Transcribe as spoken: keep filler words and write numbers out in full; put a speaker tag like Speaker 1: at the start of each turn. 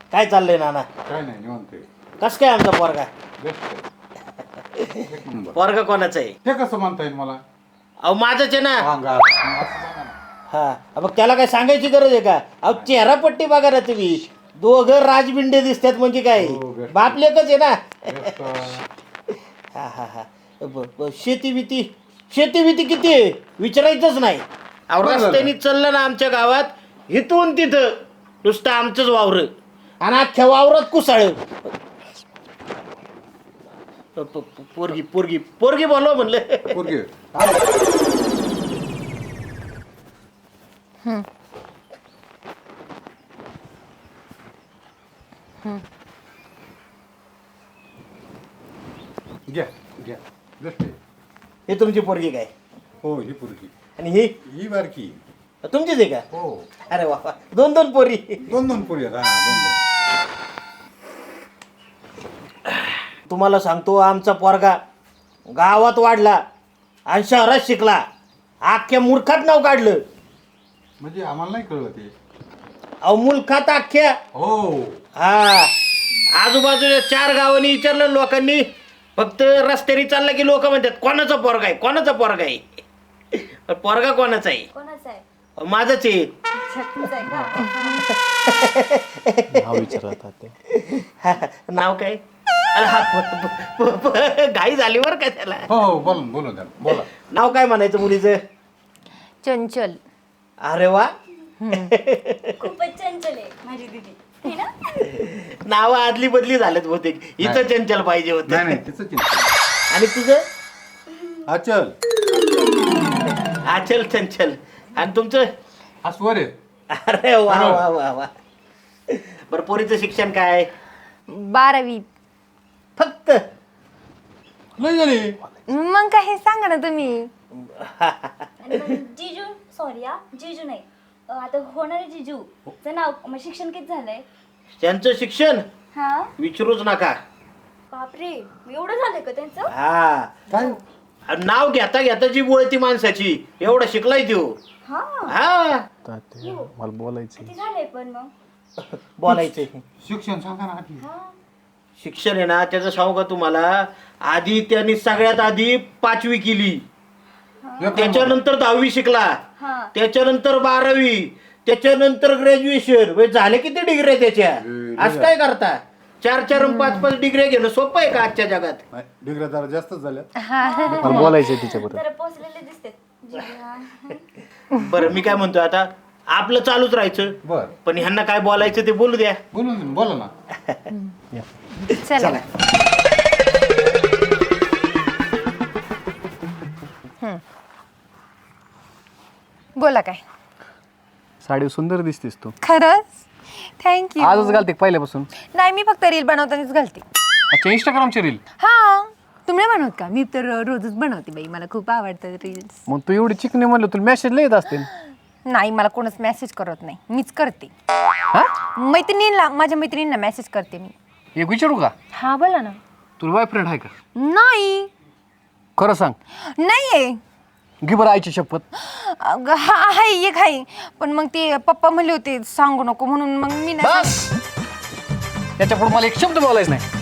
Speaker 1: काय चाललंय नाना?
Speaker 2: काय नाही निवांत आहे.
Speaker 1: कस काय आमचा पोरगा?
Speaker 2: बेस्ट आहे. एक नंबर.
Speaker 1: पोरगा कोणाचा आहे?
Speaker 2: ते कसं म्हणता येईल मला?
Speaker 1: अहो माझंच आहे ना.
Speaker 2: सांगा असं सांगा ना.
Speaker 1: हा मग त्याला काय सांगायची गरज आहे का? अहो चेहरा पट्टी बघा ना तुम्ही, दोघं राजबिंडे दिसतात म्हणजे काय,
Speaker 2: हो, बेस्ट.
Speaker 1: बाप लेकच आहे ना.
Speaker 2: बेस्ट.
Speaker 1: हा हा हा ब- ब- शेती भीती शेती भीती किती आहे विचारायचंच नाही. अहो
Speaker 2: बरं झालं.
Speaker 1: रस्त्याने चाललं ना आमच्या गावात इथून तिथं नुसतं आमचंच वावर आणि अख्ख्या वावरात कुसाळ. प- प- पोरगी पोरगी पोरगी बोलव म्हणलं.
Speaker 2: पोरगी. घ्या घ्या बेस्ट आहे.
Speaker 1: हे तुमची पोरगी काय
Speaker 2: हो ही पोरगी.
Speaker 1: आणि ही
Speaker 2: ही बारकी.
Speaker 1: तुमचीच आहे का?
Speaker 2: हो
Speaker 1: अरे वा वा. दोन दोन पोरी.
Speaker 2: दोन दोन पोरी आहेत. हा दोन दोन.
Speaker 1: तुम्हाला सांगतो आमचा पोरगा गावात वाढला आणि शहरात शिकला, अख्ख्या मूर्खात नाव काढलं.
Speaker 2: म्हणजे आम्हाला नाही कळलं ते.
Speaker 1: अहो मुलखात अख्ख्या.
Speaker 2: हो
Speaker 1: हा आजूबाजूच्या चार गावांनी विचारलं लोकांनी, फक्त रस्त्याने चालला की लोक म्हणतात कोणाचा पोरगा आहे कोणाचा पोरगा आहे. पण पोरगा कोणाचा आहे?
Speaker 3: कोणाचा आहे?
Speaker 1: अहो, माझंच आहे.
Speaker 3: छत्तीस आहे का?
Speaker 4: नाव विचारतात ते.
Speaker 1: हा, नाव काय? अरे हा प- प- प- घाई झाली बरं का त्याला.
Speaker 2: हो हो बोला ना, बोला द्या बोला.
Speaker 1: नाव काय म्हणायचं मुलीचं?
Speaker 3: चंचल.
Speaker 1: अरे वा.
Speaker 3: खूपच चंचल आहे माझी दीदी है ना?
Speaker 1: नाव आदली बदली झालेत बहुतेक. इथं
Speaker 2: नाही.
Speaker 1: चंचल पाहिजे
Speaker 2: नाही
Speaker 1: होत.
Speaker 2: नाही तिचं चिंता.
Speaker 1: आणि तुझं?
Speaker 2: अचल
Speaker 1: आचल चंचल. आणि तुमचं?
Speaker 2: हा स्वर आहे.
Speaker 1: अरे वा वा वा वा. बरं पोरीचं शिक्षण काय?
Speaker 3: बारावी.
Speaker 1: फक्त?
Speaker 2: नाही झाली.
Speaker 3: मग काय हे सांगा ना तुम्ही.
Speaker 5: आणि मग जिजू सॉरी हा जिजू नाही अं, आता होणारे जिजू चं नाव मग शिक्षण किती झालंय?
Speaker 1: त्यांचं शिक्षण
Speaker 5: हा
Speaker 1: विचारूच नका.
Speaker 5: बापरे एवढं झालंय का त्यांचं?
Speaker 1: हा
Speaker 2: काय?
Speaker 1: आणि नाव घेता घेता जी बोळती माणसाची एवढं शिकलाय त्यो.
Speaker 5: हा
Speaker 1: हा
Speaker 4: तात्या, मला बोलायचं
Speaker 5: किती झालंय पण मग?
Speaker 1: बोलायचे.
Speaker 2: शिक्षण सांगा ना आधी.
Speaker 5: हा
Speaker 1: शिक्षण आहे ना त्याचं सांगू का तुम्हाला, आधी त्यांनी सगळ्यात आधी पाचवी केली,
Speaker 2: एक नंबर.
Speaker 1: त्याच्यानंतर दहावी शिकला,
Speaker 5: हा
Speaker 1: त्याच्यानंतर बारावी, त्याच्यानंतर ग्रॅज्युएशन. म्हणजे झाले किती डिग्री त्याच्या?
Speaker 2: ए,
Speaker 1: असं काय करता? चार चार आणि पाच पाच डिग्री घेणं सोपं आहे का आजच्या जगात?
Speaker 2: नाही, डिग्र्या जरा जास्तच झाल्या.
Speaker 4: मला बोलायचंय तिच्याबरोबर.
Speaker 5: जरा पोचलेले दिसते जिजू, हा.
Speaker 1: बरं मी काय म्हणतो आता, आपलं चालूच राहायचं,
Speaker 2: बर
Speaker 1: पण ह्यांना काय बोलायचं ते बोलू द्या.
Speaker 2: बोलू ना, बोला ना.
Speaker 3: चला. बोला काय?
Speaker 4: साडी सुंदर दिसतेस तू.
Speaker 3: खरंच? थँक्यू.
Speaker 4: आजच घालते का पहिल्यापासून?
Speaker 3: नाही मी फक्त रील बनवतानाच घालते.
Speaker 4: अच्छा इंस्टाग्रामची रील.
Speaker 3: हा तुम्ही नाही बनवत का? मी तर रोजच बनवते बाई, मला खूप आवडतात रील्स.
Speaker 4: मग तू एवढी चिकनी म्हणलं तुला मेसेज लय येत असतील.
Speaker 3: नाही मला कोणच मेसेज करत नाही, मीच करते.
Speaker 4: हा
Speaker 3: मैत्रिणींना, माझ्या मैत्रिणींना मेसेज करते मी.
Speaker 4: एक विचारू का?
Speaker 3: हा बोला ना.
Speaker 4: तुला बॉयफ्रेंड आहे का?
Speaker 3: नाही.
Speaker 4: खरं सांग.
Speaker 3: नाहीये.
Speaker 4: घे बरं आईची शपथ.
Speaker 3: अगं, हा आहे एक आहे, पण मग ते पप्पा म्हणले होते सांगू नको म्हणून मग मी नाही.
Speaker 4: बस त्याच्या पुढे मला एक शब्द बोलायचं नाही.